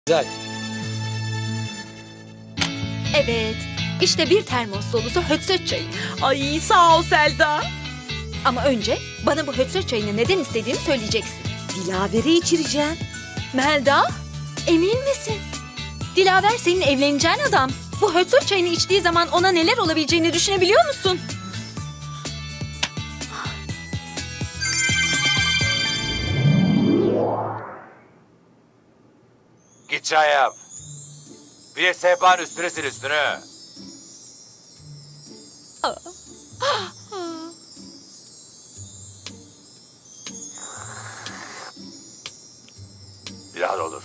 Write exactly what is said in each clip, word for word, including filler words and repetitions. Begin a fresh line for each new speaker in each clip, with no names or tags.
Güzel.
Evet, işte bir termos dolusu hötsöt çayı.
Ay sağ ol Selda.
Ama önce bana bu hötsöt çayını neden istediğini söyleyeceksin.
Dilaver'i içireceğim.
Melda, emin misin? Dilaver senin evleneceğin adam. Bu hötsöt çayını içtiği zaman ona neler olabileceğini düşünebiliyor musun?
Git çay yap. Bir de sehpanın üstüne sil üstünü. Biraz olur.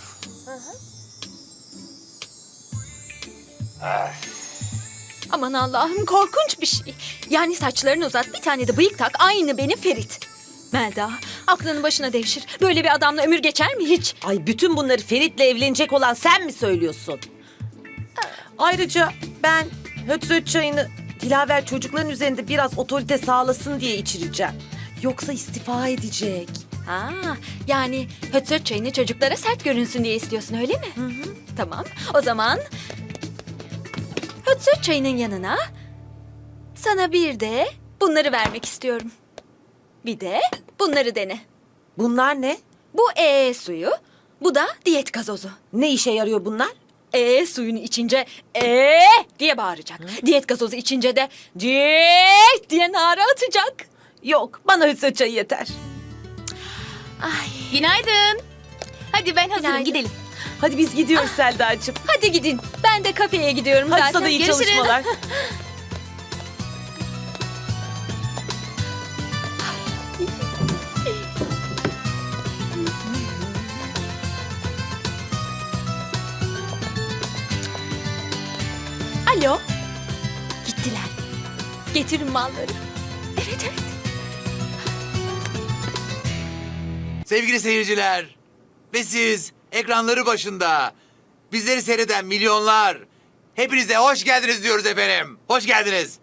Aman Allah'ım, korkunç bir şey. Yani saçlarını uzat, bir tane de bıyık tak, aynı benim Ferit. Melda, aklının başına devşir. Böyle bir adamla ömür geçer mi hiç?
Ay bütün bunları Ferit'le evlenecek olan sen mi söylüyorsun? Ayrıca ben höt çayını Dilaver çocukların üzerinde biraz otorite sağlasın diye içireceğim. Yoksa istifa edecek.
Ha, yani hötsöt çayını çocuklara sert görünsün diye istiyorsun, öyle mi? Hı hı. Tamam, o zaman hötsöt çayının yanına sana bir de bunları vermek istiyorum. Bir de bunları dene.
Bunlar ne?
Bu ee suyu, bu da diyet gazozu.
Ne işe yarıyor bunlar?
Ee suyunu içince ee diye bağıracak. Diyet gazozu içince de diyet diye nara atacak.
Yok, bana höt çayı yeter.
Ay,
Günaydın. Hadi ben hazırım,
Günaydın.
gidelim.
Hadi biz gidiyoruz Selda'cığım.
hadi gidin. Ben de kafeye gidiyorum
Hadi
zaten.
sana iyi
Görüşürüz.
çalışmalar.
Alo. Gittiler. Getirin malları. Evet evet.
Sevgili seyirciler ve siz ekranları başında bizleri seyreden milyonlar, hepinize hoş geldiniz diyoruz efendim. Hoş geldiniz.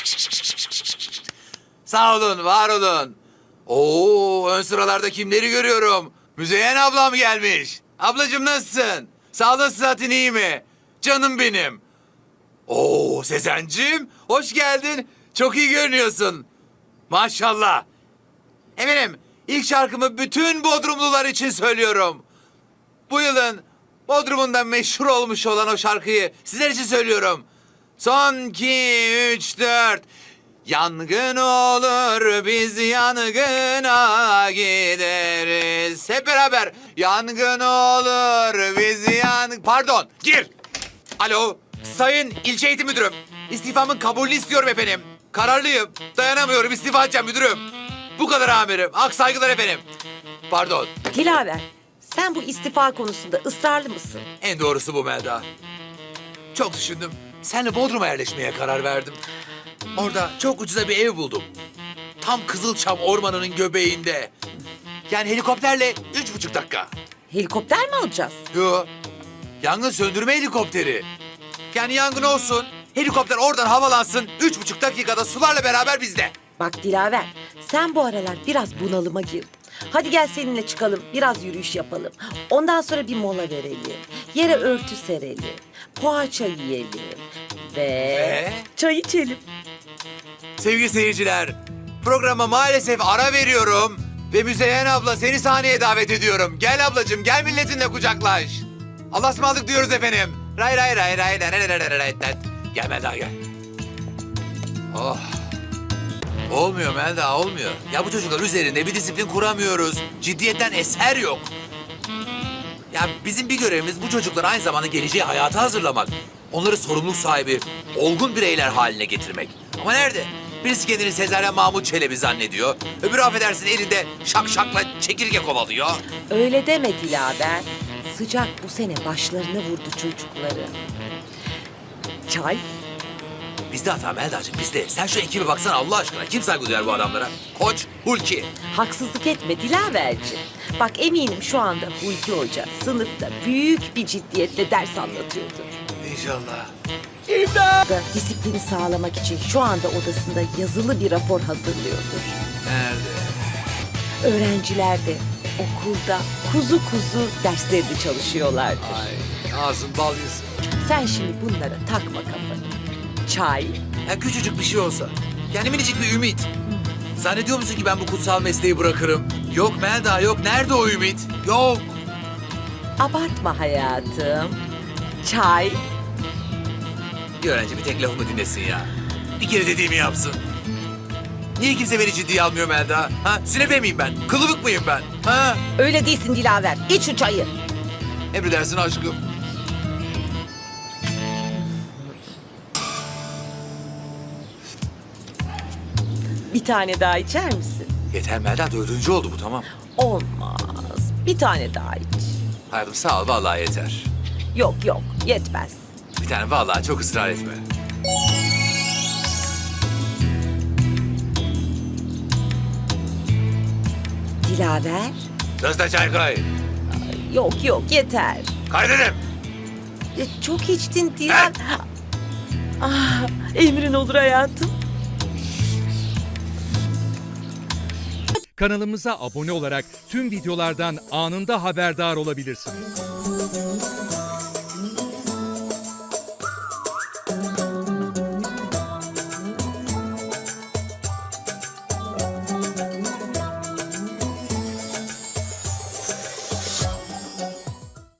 Sağ olun, var olun. Oo, ön sıralarda kimleri görüyorum? Müzeyyen ablam gelmiş. Ablacığım nasılsın? Sağlığın sıhhatin iyi mi? Canım benim. Oo, Sezen'cim hoş geldin. Çok iyi görünüyorsun. Maşallah. Efendim, ilk şarkımı bütün Bodrumlular için söylüyorum. Bu yılın Bodrum'unda meşhur olmuş olan o şarkıyı sizler için söylüyorum. Son iki, üç, dört. Yangın olur biz yangına gideriz. Hep beraber. Yangın olur biz yan... Pardon, gir. Alo, sayın ilçe eğitim müdürüm. İstifamın kabulünü istiyorum efendim. Kararlıyım, dayanamıyorum, istifa edeceğim müdürüm. Bu kadar amirim. Ak saygılar efendim. Pardon.
Dilaver, sen bu istifa konusunda ısrarlı mısın?
En doğrusu bu Melda. Çok düşündüm. Senle Bodrum'a yerleşmeye karar verdim. Orada çok ucuza bir ev buldum. Tam Kızılçam ormanının göbeğinde. Yani helikopterle üç buçuk dakika.
Helikopter mi alacağız?
Yo. Yangın söndürme helikopteri. Yani yangın olsun, helikopter oradan havalansın, üç buçuk dakikada sularla beraber bizde.
Bak Dilaver, sen bu aralar biraz bunalıma girdin. Hadi gel seninle çıkalım, biraz yürüyüş yapalım. Ondan sonra bir mola verelim. Yere örtü serelim. Poğaça yiyelim. Ve,
Ve?
çay içelim.
Sevgili seyirciler, programa maalesef ara veriyorum. Ve Müzeyyen abla seni sahneye davet ediyorum. Gel ablacığım, gel milletinle kucaklaş. Allah'a ısmarladık diyoruz efendim. Ray ray ray ray ray ray ray ray ray ray. Gel Melda gel. Oh. Olmuyor Melda, olmuyor. Ya bu çocuklar üzerinde bir disiplin kuramıyoruz. Ciddiyetten eser yok. Ya bizim bir görevimiz bu çocukları aynı zamanda geleceği hayata hazırlamak. Onları sorumluluk sahibi, olgun bireyler haline getirmek. Ama nerede? Birisi kendini Sezaryen Mahmut Çelebi zannediyor. Öbürü affedersin elinde şak şakla çekirge kovalıyor.
Öyle deme Dilaver. Sıcak bu sene başlarına vurdu çocukları. Çay?
Bizde hata Melda'cığım bizde. Sen şu ekibe baksana Allah aşkına. Kim saygı duyar bu adamlara? Koç, Hulki.
Haksızlık etme Dilaverciğim. Bak eminim şu anda Hulki Hoca sınıfta büyük bir ciddiyetle ders anlatıyordur.
İnşallah.
Da disiplini sağlamak için şu anda odasında yazılı bir rapor hazırlıyordur.
Nerede?
Öğrenciler de okulda kuzu kuzu derslerini çalışıyorlardır.
Ay. Ağzın bal yesin.
Sen şimdi bunlara takma kafanı. Çay.
Ya küçücük bir şey olsa. Yani minicik bir ümit. Zannediyor musun ki ben bu kutsal mesleği bırakırım? Yok Melda yok. Nerede o ümit? Yok.
Abartma hayatım. Çay.
Bir öğrenci bir tek lafımı dinlesin ya. Bir kere dediğimi yapsın. Niye kimse beni ciddiye almıyor Melda? Ha? Sünepe miyim ben? Kılıbık mıyım ben? Ha?
Öyle değilsin Dilaver. İç şu çayı.
Emredersin aşkım.
Bir tane daha içer misin?
Yeter Melda, dördüncü oldu bu, tamam.
Olmaz. Bir tane daha iç.
Hayatım sağ ol, vallahi yeter.
Yok yok yetmez.
Bir tane vallahi, çok ısrar etme.
Dilaver.
Sözde çay koy.
Yok yok yeter.
Kay dedim.
Ya, çok içtin Dilaver. Ah, emrin olur hayatım.
Kanalımıza abone olarak tüm videolardan anında haberdar olabilirsiniz.